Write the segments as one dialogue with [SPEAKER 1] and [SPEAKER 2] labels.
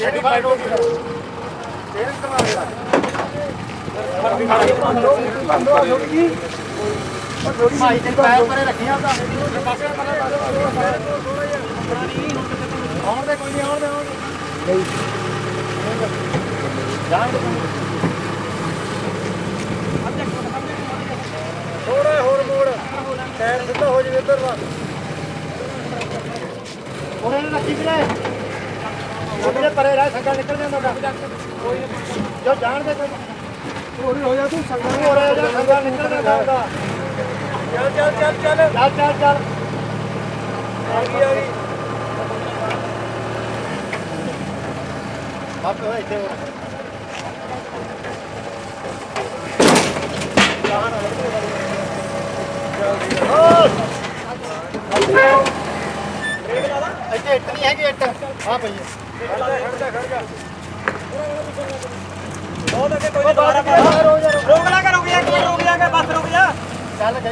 [SPEAKER 1] ਭਾਈ ਤੇ ਪੈਰ ਪਰੇ ਰੱਖੀਆਂ ਉਹਦਾ ਆਉਣ ਦੇ ਕੋਈ ਨਹੀਂ ਆਉਣ ਦੇ ਨਹੀਂ ਜਾਣ ਦੇ ਥੋੜਾ ਹੋਰ ਮੋੜ ਟਾਇਰ ਸਿੱਧਾ ਹੋ ਜਾਵੇ ਇੱਧਰ ਦਾ ਉਹਨੇ ਰੱਖੀ ਵੀਰੇ ਉਹਦੇ ਪਰੇ ਰਹਿ ਸੰਗਾ ਨਿਕਲ ਜਾਂਦਾ ਕੋਈ ਜੋ ਜਾਣ ਦੇ ਕੋਈ ਥੋੜੀ ਹੋ ਜਾ ਤੂੰ ਸੰਗਾ ਹੋ ਰਿਹਾ ਜਾਂ ਸੰਗਾ ਨਿਕਲ ਜਾਂਦਾ ਚੱਲ ਚੱਲ ਚੱਲ ਚੱਲ ਚੱਲ ਚੱਲ ਚੱਲ ਆ ਗਈ ਬਾਪ ਹੋਏ ਇੱਥੇ ਇੱਥੇ ਇੱਟ ਨਹੀਂ ਹੈਗੀ ਇੱਟ ਹਾਂ ਭਈਆ ਖੜ ਜਾ ਬਹੁਤ ਅੱਗੇ ਕੋਈ ਦੁਬਾਰਾ ਰੋਕ ਲਾ ਕੇ ਰੁਕ ਜਾ ਕੇ ਬਸ ਰੁਕ ਜਾ ਚੱਲ ਗਈ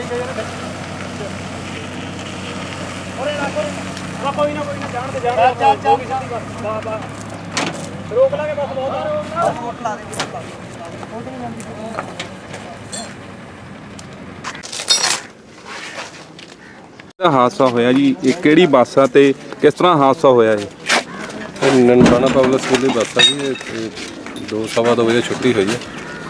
[SPEAKER 1] ਓਰੇ ਲਾ ਕੋਈ ਨਾ ਜਾਣ ਦੇ ਚੱਲ ਵਾਹ ਰੋਕ ਲਾ ਕੇ ਬਸ ਬਹੁਤ ਵੋਟ ਲਾ ਦੇ
[SPEAKER 2] ਹਾਦਸਾ ਹੋਇਆ ਜੀ ਇਹ ਕਿਹੜੀ ਬੱਸ ਆ ਤੇ ਕਿਸ ਤਰ੍ਹਾਂ ਹਾਦਸਾ ਹੋਇਆ ਇਹ
[SPEAKER 3] ਨਨਕਾਣਾ ਪਬਲਿਕ ਸਕੂਲ ਦੀ ਬੱਸ ਆ ਜੀ 2:15 ਵਜੇ ਛੁੱਟੀ ਹੋਈ ਹੈ।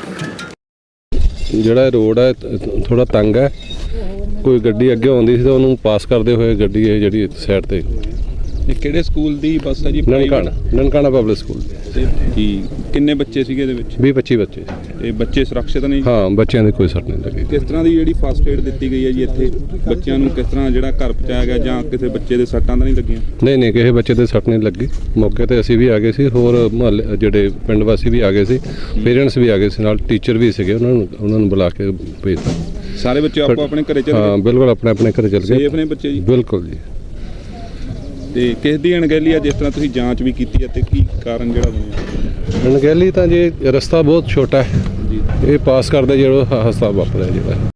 [SPEAKER 3] ਜਿਹੜਾ ਰੋਡ ਹੈ ਥੋੜਾ ਤੰਗ ਹੈ, ਕੋਈ ਗੱਡੀ ਅੱਗੇ ਆਉਂਦੀ ਸੀ ਤਾਂ ਉਹਨੂੰ ਪਾਸ ਕਰਦੇ ਹੋਏ ਗੱਡੀ ਇਹ ਜਿਹੜੀ ਸਾਈਡ ਤੇ
[SPEAKER 2] ਇਹ ਕਿਹੜੇ ਸਕੂਲ ਦੀ ਬੱਸ ਆ ਜੀ
[SPEAKER 3] ਨਨਕਾਣਾ ਪਬਲਿਕ ਸਕੂਲ
[SPEAKER 2] ਜੀ ਕਿੰਨੇ ਬੱਚੇ ਸੀਗੇ ਇਹਦੇ ਵਿੱਚ
[SPEAKER 3] 20-25 ਬੱਚੇ
[SPEAKER 2] ਤੇ ਬੱਚੇ ਸੁਰੱਖਿਅਤ ਨਹੀਂ
[SPEAKER 3] ਹਾਂ ਬੱਚਿਆਂ ਦੇ ਕੋਈ ਸੱਟ ਨਹੀਂ ਲੱਗੀ।
[SPEAKER 2] ਕਿਸ ਤਰ੍ਹਾਂ ਦੀ ਜਿਹੜੀ ਫਸਟ ਏਡ ਦਿੱਤੀ ਗਈ ਹੈ ਜੀ ਇੱਥੇ ਬੱਚਿਆਂ ਨੂੰ ਕਿਸ ਤਰ੍ਹਾਂ ਜਿਹੜਾ ਘਰ ਪਹੁੰਚਾਇਆ ਗਿਆ ਜਾਂ ਕਿਸੇ ਬੱਚੇ ਦੇ ਸੱਟਾਂ ਤਾਂ ਨਹੀਂ ਲੱਗੀਆਂ
[SPEAKER 3] ਨਹੀਂ ਕਿਸੇ ਬੱਚੇ ਦੇ ਸੱਟ ਨਹੀਂ ਲੱਗੀ। ਮੌਕੇ ਤੇ ਅਸੀਂ ਵੀ ਆ ਗਏ ਸੀ, ਹੋਰ ਮੁਹੱਲੇ ਜਿਹੜੇ ਪਿੰਡ ਵਾਸੀ ਵੀ ਆ ਗਏ ਸੀ, ਪੇਰੈਂਟਸ ਵੀ ਆ ਗਏ ਸੀ, ਨਾਲ ਟੀਚਰ ਵੀ ਸੀਗੇ, ਉਹਨਾਂ ਨੂੰ ਬੁਲਾ ਕੇ ਭੇਜਤਾ।
[SPEAKER 2] ਸਾਰੇ ਬੱਚੇ ਆਪੋ ਆਪਣੇ ਘਰੇ ਚਲੇ ਗਏ?
[SPEAKER 3] ਹਾਂ ਬਿਲਕੁਲ ਆਪਣੇ ਘਰੇ ਚਲੇ ਗਏ।
[SPEAKER 2] ਸੇਫ ਨੇ ਬੱਚੇ ਜੀ?
[SPEAKER 3] ਬਿਲਕੁਲ ਜੀ।
[SPEAKER 2] ਤੇ ਕਿਸ ਦੀ ਅਣਗਹਿਲੀ ਆ ਜਿਸ ਤਰ੍ਹਾਂ ਤੁਸੀਂ ਜਾਂਚ ਵੀ ਕੀਤੀ ਹੈ ਤੇ ਕੀ ਕਾਰਨ ਜਿਹੜਾ ਬਣਿਆ?
[SPEAKER 3] ਅਣਗਹਿਲੀ ਤਾਂ ਜੀ ਰਸਤਾ ਬਹੁਤ ਛੋਟਾ ਹੈ ਜੀ, ਇਹ ਪਾਸ ਕਰਦੇ ਜਿਹੜਾ ਹਾਦਸਾ ਵਾਪਰਿਆ ਜਿਹੜਾ